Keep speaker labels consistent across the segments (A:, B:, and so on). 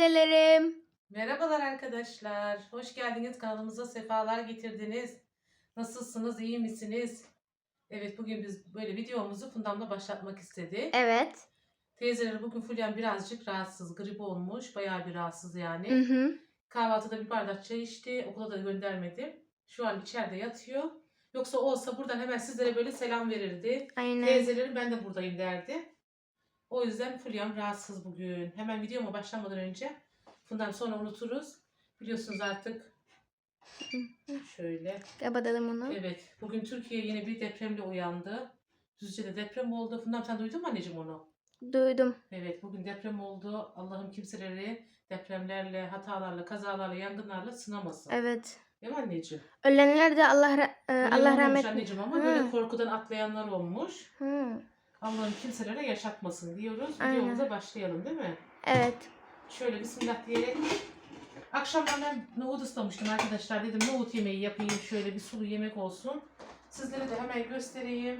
A: annelerim.
B: Merhabalar arkadaşlar. Hoş geldiniz. Kanalımıza sefalar getirdiniz. Nasılsınız? İyi misiniz? Evet, bugün biz böyle videomuzu Fundam'la başlatmak istedik.
A: Evet.
B: Teyzeleri bugün Fulya'm birazcık rahatsız. Grip olmuş. Bayağı bir rahatsız
A: Hı
B: yani.
A: hı.
B: Kahvaltıda bir bardak çay içti. Okula da göndermedim. Şu an içeride yatıyor. Yoksa olsa buradan hemen sizlere böyle selam verirdi.
A: Aynen.
B: Teyzelerim ben de buradayım derdi. O yüzden Fulya'm rahatsız bugün. Hemen videoma başlamadan önce Fundam sonra unuturuz. Biliyorsunuz artık şöyle.
A: Kapatalım onu.
B: Evet, bugün Türkiye yine bir depremle uyandı. Düzce'de deprem oldu. Fundam sen duydun mu anneciğim onu?
A: Duydum.
B: Evet, bugün deprem oldu. Allah'ım kimseleri depremlerle, hatalarla, kazalarla, yangınlarla sınamasın.
A: Evet.
B: Değil mi anneciğim?
A: Ölenler de
B: Ölen
A: Allah
B: olmamış
A: rahmet.
B: anneciğim ama
A: Hı.
B: böyle korkudan atlayanlar olmuş.
A: Hı.
B: Allah'ım kimselere yaşatmasın diyoruz.
A: Aynen.
B: Videomuza başlayalım değil mi?
A: Evet.
B: Şöyle bismillah diyerek. Akşamdan ben nohut ıslamıştım arkadaşlar. Dedim nohut yemeği yapayım. Şöyle bir sulu yemek olsun. Sizlere de hemen göstereyim.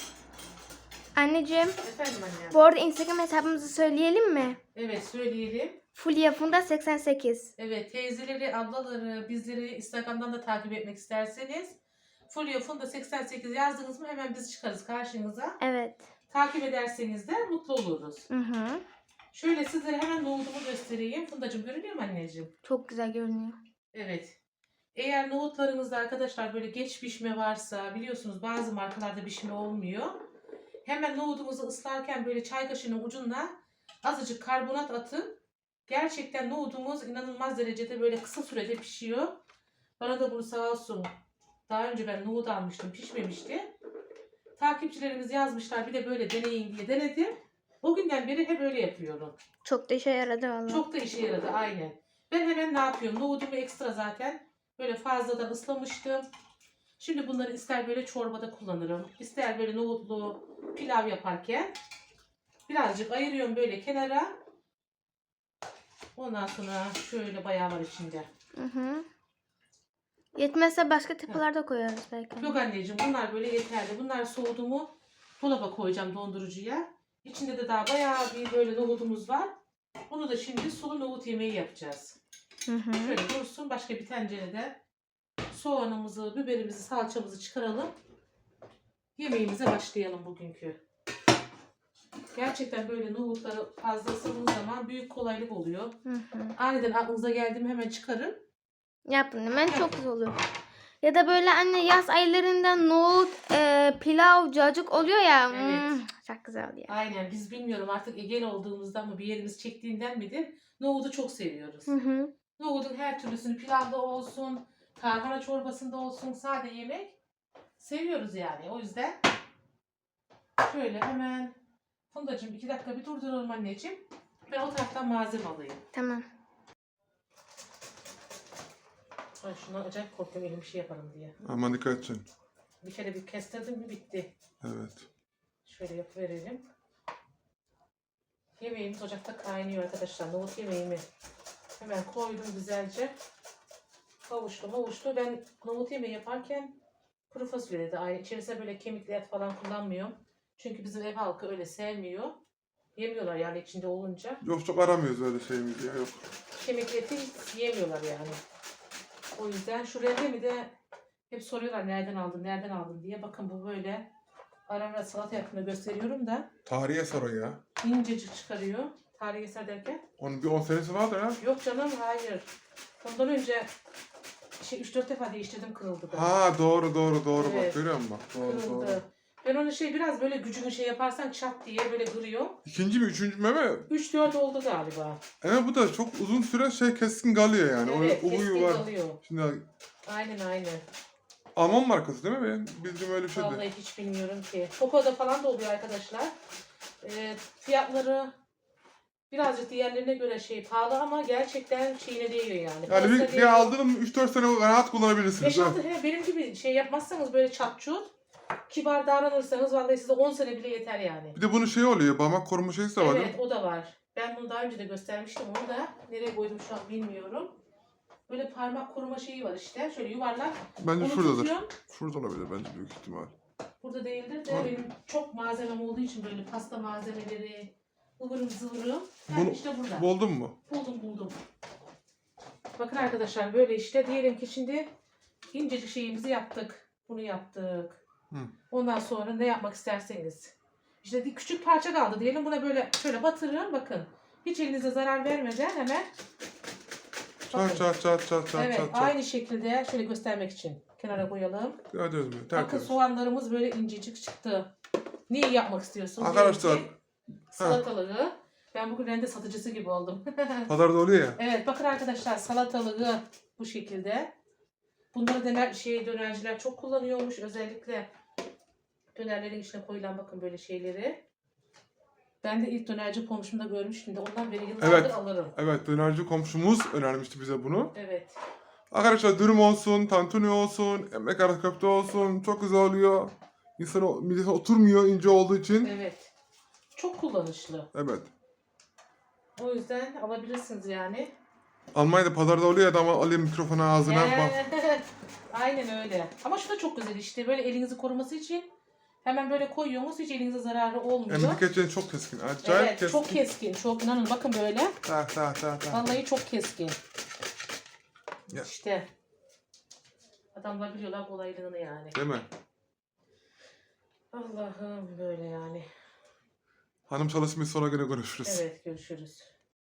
A: Anneciğim,
B: Efendim anne.
A: bu arada Instagram hesabımızı söyleyelim mi?
B: Evet söyleyelim.
A: Fulya Funda 88.
B: Evet teyzeleri, ablaları, bizleri Instagram'dan da takip etmek isterseniz Fulya Funda 88 yazdınız mı hemen biz çıkarız karşınıza.
A: Evet.
B: Takip ederseniz de mutlu oluruz.
A: Hı hı.
B: Şöyle sizlere hemen nohutumu göstereyim. Fundacığım görünüyor mu anneciğim?
A: Çok güzel görünüyor.
B: Evet. Eğer nohutlarınızda arkadaşlar böyle geç pişme varsa biliyorsunuz bazı markalarda pişme olmuyor. Hemen nohudumuzu ıslarken böyle çay kaşığının ucuna azıcık karbonat atın. Gerçekten nohudumuz inanılmaz derecede böyle kısa sürede pişiyor. Bana da bunu sağ olsun. Daha önce ben nohut almıştım, pişmemişti. Takipçilerimiz yazmışlar bir de böyle deneyin diye denedim. O günden beri hep öyle yapıyorum.
A: Çok da işe yaradı vallahi.
B: Çok da işe yaradı aynen. Ben hemen ne yapıyorum? Nohudumu ekstra zaten böyle fazladan ıslamıştım. Şimdi bunları ister böyle çorbada kullanırım. İster böyle nohutlu pilav yaparken birazcık ayırıyorum böyle kenara. Ondan sonra şöyle bayağı var içinde.
A: Hı hı. Yetmezse başka tıpalarda koyarız belki.
B: Yok anneciğim bunlar böyle yeterli. Bunlar soğudu mu dolaba koyacağım dondurucuya. İçinde de daha bayağı bir böyle nohudumuz var. Bunu da şimdi sulu nohut yemeği yapacağız.
A: Hı hı.
B: Şöyle dursun başka bir tencerede soğanımızı, biberimizi, salçamızı çıkaralım. Yemeğimize başlayalım bugünkü. Gerçekten böyle nohutları fazla ısırdığınız zaman büyük kolaylık oluyor.
A: Hı hı.
B: Aniden aklınıza geldi mi hemen çıkarın.
A: Yapın hemen çok güzel olur. Ya da böyle anne yaz aylarında nohut, pilav, cacık oluyor ya.
B: Evet.
A: Çok güzel oluyor.
B: Aynen biz bilmiyorum artık Ege'li olduğumuzdan mı bir yerimiz çektiğinden midir? Nohudu çok seviyoruz.
A: Hı hı.
B: Nohudun her türlüsünü pilavda olsun, tarhana çorbasında olsun, sade yemek seviyoruz yani. O yüzden şöyle hemen Fundacığım 2 dakika bir durduralım anneciğim. Ben o taraftan malzeme alayım.
A: Tamam.
B: Ay şuna acayip korkuyorum elim bir şey yaparım diye.
C: Aman dikkat edin.
B: Bir kere bir kestirdim mi bitti.
C: Evet.
B: Şöyle yapıverelim. Yemeğimiz ocakta kaynıyor arkadaşlar. Nohut yemeğimi hemen koydum güzelce. Kavuştu. Ben nohut yemeği yaparken kuru fasulye de aynı. İçerisine böyle kemikli et falan kullanmıyorum. Çünkü bizim ev halkı öyle sevmiyor. Yemiyorlar yani içinde olunca.
C: Yok çok aramıyoruz öyle şeyimizi ya yok.
B: Kemikli eti hiç yemiyorlar yani. O yüzden şu rendemi de hep soruyorlar nereden aldın diye. Bakın bu böyle ara ara salata yapımını gösteriyorum da
C: Tarihi eser o ya.
B: incecik çıkarıyor. Tarihi eser derken?
C: Onun bir 10 senesi vardır ha.
B: Yok canım hayır. Ondan önce 3-4 defa değiştirdim kırıldı da.
C: Ha doğru
B: Evet.
C: bak görüyor musun bak. Doğru.
B: Kırıldı. Ben onu biraz böyle gücünü yaparsan çat diye böyle kırıyor.
C: İkinci mi üçüncü mü ama
B: 3-4 oldu galiba.
C: evet bu da çok uzun süre keskin kalıyor yani.
B: Evet
C: O huyu
B: keskin
C: var.
B: kalıyor.
C: Şimdi
B: Aynen.
C: Alman markası değil mi? Bildiğim öyle bir şeydi.
B: Vallahi hiç bilmiyorum ki. Coco'da falan da oluyor arkadaşlar. Fiyatları birazcık diğerlerine göre pahalı ama gerçekten şeyine değiyor yani.
C: Yani
B: Parasına
C: bir
B: değiyor.
C: aldığım 3-4 sene rahat kullanabilirsiniz.
B: 5-6 benim gibi yapmazsanız böyle çat çut kibar davranırsanız vallahi size 10 sene bile yeter yani.
C: Bir de bunun oluyor. Parmak koruma şeysi de var değil
B: Evet
C: mi?
B: o da var. Ben bunu daha önce de göstermiştim onu da. Nereye koydum şu an bilmiyorum. Böyle parmak koruma şeyi var işte. Şöyle yuvarlak.
C: Bence
B: Onu
C: şuradadır.
B: tutuyorum.
C: Şurada olabilir bence büyük ihtimal.
B: Burada değildir de
C: Var.
B: benim çok malzemem olduğu için böyle pasta malzemeleri, ıvırım zıvırım.
C: Bunu
B: İşte burada.
C: buldun mu?
B: Buldum. Bakın arkadaşlar böyle işte diyelim ki şimdi incecik şeyimizi yaptık. Bunu yaptık.
C: Hı.
B: Ondan sonra ne yapmak isterseniz. İşte küçük parça kaldı diyelim. Buna böyle şöyle batırın bakın. Hiç elinize zarar vermeden hemen.
C: Çat çat çat çat çat
B: Evet
C: çat çat.
B: aynı şekilde şöyle göstermek için kenara koyalım.
C: Gördünüz mü?
B: Bakın
C: Tertemiz.
B: soğanlarımız böyle incecik çıktı. Neyi yapmak istiyorsunuz?
C: Arkadaşlar,
B: Diyelim ki salatalığı. Ben bugün rende satıcısı gibi oldum.
C: Pazarda oluyor ya.
B: Evet bakın arkadaşlar salatalığı bu şekilde. Bunları dönerciler çok kullanıyormuş. Özellikle dönerlerin içine koyulan bakın böyle şeyleri. Ben de ilk dönerci komşumda görmüştüm de ondan beri yıllardır
C: Evet.
B: alırım.
C: Evet, dönerci komşumuz önermişti bize bunu.
B: Evet.
C: Arkadaşlar dürüm olsun, tantuni olsun, ekmek arası köfte olsun çok güzel oluyor. İnsan midesine oturmuyor ince olduğu için.
B: Evet. Çok kullanışlı.
C: Evet.
B: O yüzden alabilirsiniz yani.
C: Almanya'da pazarda oluyor ya da ama alayım mikrofonu ağzına bak.
B: Aynen öyle. Ama şu da çok güzel işte. Böyle elinizi koruması için hemen böyle koyuyorsunuz. Hiç elinize zararı olmuyor.
C: Hem dikkaçen çok keskin. Acayip
B: Evet,
C: keskin.
B: çok keskin. Çok inanın bakın böyle.
C: Tak tak tak tak.
B: Vallahi çok keskin.
C: Ya.
B: İşte. Adamlar biliyorlar kolaylığını yani.
C: Değil mi?
B: Allah'ım böyle yani.
C: Hanım çalışmayı sonra gene görüşürüz.
B: Evet görüşürüz.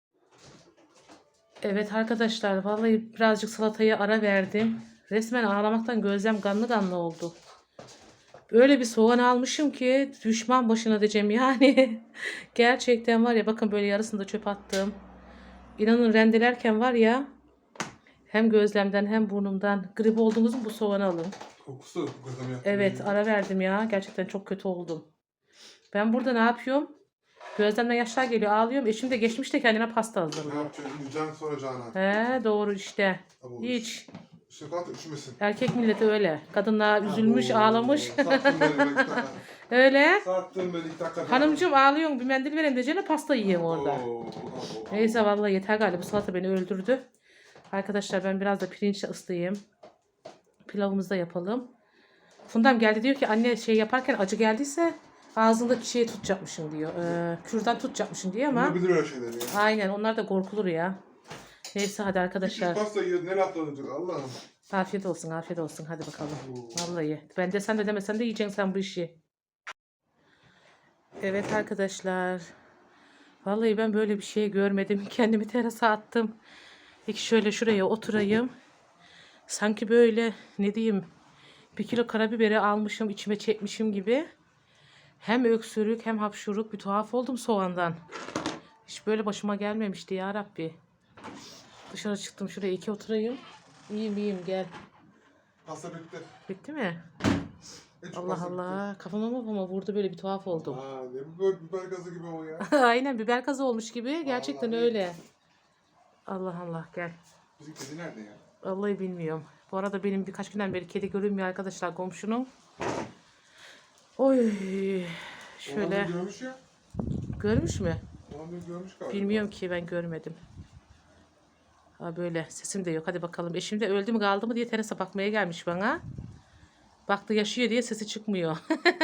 B: Evet arkadaşlar vallahi birazcık salataya ara verdim. Resmen ağlamaktan gözlerim kanlı kanlı oldu. Öyle bir soğan almışım ki düşman başına diyeceğim yani. Gerçekten var ya bakın böyle yarısını da çöp attım. İnanın rendelerken var ya hem gözlemden hem burnumdan grip oldunuz mu bu soğanı alın.
C: Kokusu gözüm yaktı.
B: Evet ara verdim ya. Gerçekten çok kötü oldum. Ben burada ne yapıyorum? Gözlemden yaşlar geliyor ağlıyorum. Eşim de geçmiş de kendine pasta
C: Ne
B: hazırlıyor.
C: yapacaksın? Yiyeceksin soracağına.
B: He doğru işte.
C: Tabii
B: Hiç.
C: İşte kalk üşümesin.
B: Erkek milleti öyle. Kadınlar üzülmüş
C: Oo,
B: ağlamış.
C: Sattın beni bir dakika.
B: Öyle.
C: Sattın beni 2 dakika.
B: Hanımcığım ağlıyorsun bir mendil verin diyeceğine pasta yiyin orada.
C: Oo.
B: Neyse vallahi yeter galiba bu salata beni öldürdü. Arkadaşlar ben biraz da pirinçle ıslayayım. Pilavımızı da yapalım. Fundam geldi diyor ki anne şey yaparken acı geldiyse ağzındaki şeyi tutacakmışım diyor. Kürdan tutacakmışım diyor ama.
C: Bunu bilir öyle şeyleri ya.
B: Aynen onlar da korkulur ya. Neyse hadi arkadaşlar.
C: Küçük pasta yiyor ne laf olacak Allah'ım.
B: Afiyet olsun afiyet olsun hadi bakalım.
C: Oo.
B: Vallahi ben de sen de demesen de yiyeceksin sen bu işi. Evet arkadaşlar. Vallahi ben böyle bir şey görmedim. Kendimi terasa attım. Peki şöyle şuraya oturayım. Sanki böyle ne diyeyim 1 kilo karabiberi almışım içime çekmişim gibi. Hem öksürük hem hapşuruk bir tuhaf oldum soğandan. Hiç böyle başıma gelmemişti ya Rabbi. Dışarı çıktım şuraya 2 oturayım. İyiyim gel.
C: Pasta bitti.
B: Bitti mi?
C: Hiç
B: Allah
C: pasta
B: Allah. Kafama vurdu böyle bir tuhaf oldum.
C: bitti. Aa, ne bu biber gazı gibi o ya.
B: Aynen biber gazı olmuş gibi. Gerçekten
C: Vallahi.
B: öyle. Allah Allah gel.
C: Bizim kedi nerede ya?
B: Vallahi bilmiyorum. Bu arada benim birkaç günden beri kedi görünmüyor arkadaşlar komşunun. Oy. Şöyle.
C: Olanı görmüş ya.
B: Görmüş mü?
C: Olanı görmüş galiba.
B: Bilmiyorum ki ben görmedim. Ha böyle sesim de yok. Hadi bakalım. Eşim de öldü mü kaldı mı diye terasa bakmaya gelmiş bana. Baktı yaşıyor diye sesi çıkmıyor.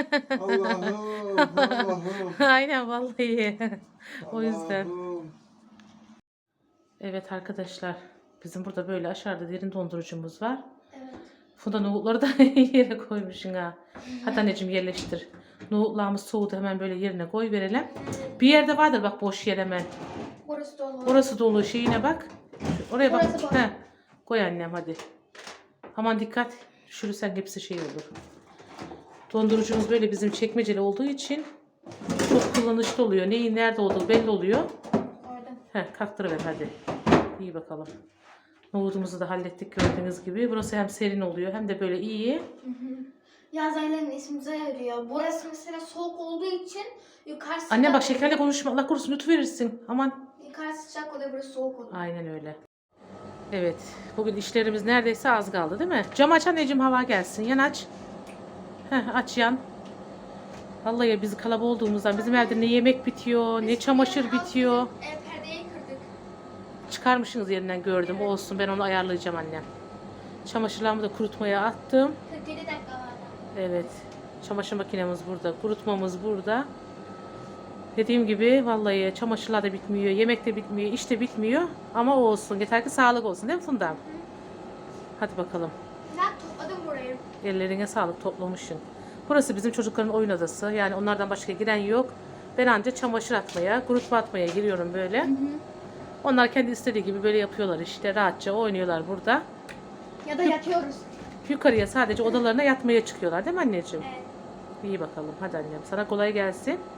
C: Allah'ım.
B: Aynen vallahi. O yüzden.
C: Allah'ım.
B: Evet arkadaşlar. Bizim burada böyle aşağıda derin dondurucumuz var.
A: Evet.
B: Funda nohutları da yere koymuşsun ha. Hadi anneciğim yerleştir. Nohutlarımız soğudu hemen böyle yerine koy verelim. Bir yerde vardır bak boş yer hemen.
A: Burası dolu.
B: Orası dolu şeyine bak. Oraya bak.
A: Burası boş.
B: He. Koy annem hadi. Aman dikkat. Düşürürsen hepsi şey olur. Dondurucumuz böyle bizim çekmeceli olduğu için çok kullanışlı oluyor. Neyin nerede olduğu belli oluyor.
A: Orada.
B: He, kalktırıver hadi. İyi bakalım. Nohutumuzu da hallettik gördüğünüz gibi. Burası hem serin oluyor hem de böyle iyi.
A: Yaz aylarının ismimize yarıyor. Burası mesela soğuk olduğu için yukarı sıcak.
B: Anne bak şekerle konuşma. Allah korusun lütferirsin. Aman.
A: Yukarı sıcak oluyor, burası soğuk oluyor.
B: Aynen öyle. Evet. Bugün işlerimiz neredeyse az kaldı değil mi? Cam aç anneciğim hava gelsin. Yan aç. Heh, aç yan. Vallahi biz kalabalık olduğumuzdan bizim evde ne yemek bitiyor, ne çamaşır bitiyor.
A: Perdeyi kırdık.
B: Çıkarmışsınız yerinden gördüm. Olsun ben onu ayarlayacağım annem. Çamaşırlarımı da kurutmaya attım.
A: 47 dakika vardı.
B: Evet. Çamaşır makinemiz burada. Kurutmamız burada. Dediğim gibi vallahi çamaşırlar da bitmiyor, yemek de bitmiyor, iş de bitmiyor. Ama o olsun. Yeter ki sağlık olsun değil mi Funda? Hadi bakalım.
A: Ben topladım burayı.
B: Ellerine sağlık, toplamışsın. Burası bizim çocukların oyun odası. Yani onlardan başka giren yok. Ben anca çamaşır atmaya, kurutma atmaya giriyorum böyle. Onlar kendi istediği gibi böyle yapıyorlar işte. Rahatça oynuyorlar burada.
A: Ya da yatıyoruz.
B: Yukarıya sadece odalarına yatmaya çıkıyorlar değil mi anneciğim?
A: Evet.
B: İyi bakalım. Hadi annem. Sana kolay gelsin.